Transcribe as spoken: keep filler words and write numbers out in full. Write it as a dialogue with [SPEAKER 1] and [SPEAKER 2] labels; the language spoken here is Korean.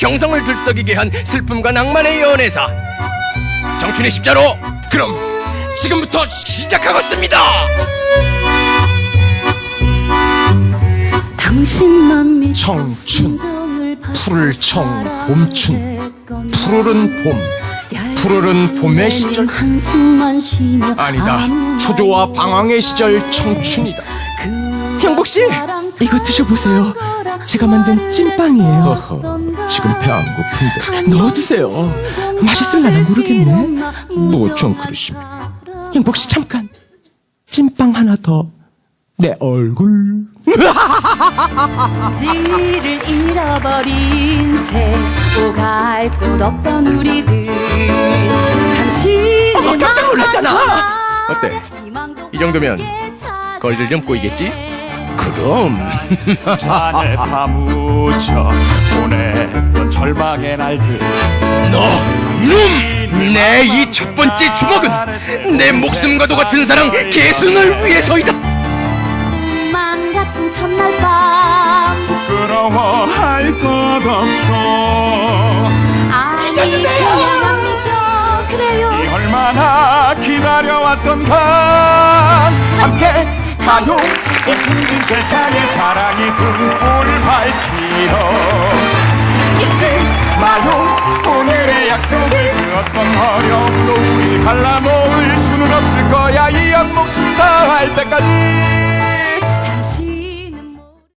[SPEAKER 1] 경성을 들썩이게 한 슬픔과 낭만의 연애사 정춘의 십자로, 그럼 지금부터 시작하겠습니다.
[SPEAKER 2] 당신만 믿고
[SPEAKER 3] 청춘,
[SPEAKER 2] 순정을
[SPEAKER 3] 푸를 청,
[SPEAKER 2] 바쳐
[SPEAKER 3] 봄춘,
[SPEAKER 2] 사랑했건
[SPEAKER 3] 푸르른 봄, 푸르른 봄의 시절.
[SPEAKER 2] 한숨만 쉬며
[SPEAKER 3] 아니다,
[SPEAKER 2] 아무
[SPEAKER 3] 초조와 방황의 시절 청춘이다. 형복씨, 이거 드셔보세요. 제가 만든 찐빵이에요. 허허, 지금 배 안 고픈데 넣어드세요. 맛있을라나 모르겠네. 뭐 좀 그러시면. 형복씨 잠깐, 찐빵 하나 더. 내 얼굴.
[SPEAKER 2] 지를 잃어버린 새 오갈 곳 없던 우리들 당신의
[SPEAKER 3] 어머, 깜짝 놀랐잖아.
[SPEAKER 1] 어때? 이 정도면 걸들 좀 꼬이겠지? 그럼
[SPEAKER 4] 잔에 파묻혀 보냈던 절망의 날들.
[SPEAKER 1] 너 놈! 내 이 첫 번째 주먹은 내 목숨과도 같은 사랑 계승을 위해서이다.
[SPEAKER 2] 꿈만 같은 첫날 밤
[SPEAKER 4] 부끄러워할 것 없어.
[SPEAKER 2] 잊어주세요. 그래요.
[SPEAKER 4] 이 얼마나 기다려왔던가. 함께 가요. 이 힘든 세상에 사랑이 불을 밝히러. 잊지 마요. 오늘의 약속을 그 어떤 어려움도 우리 갈라놓을 수는 없을 거야. 이 한 목숨 다할 때까지.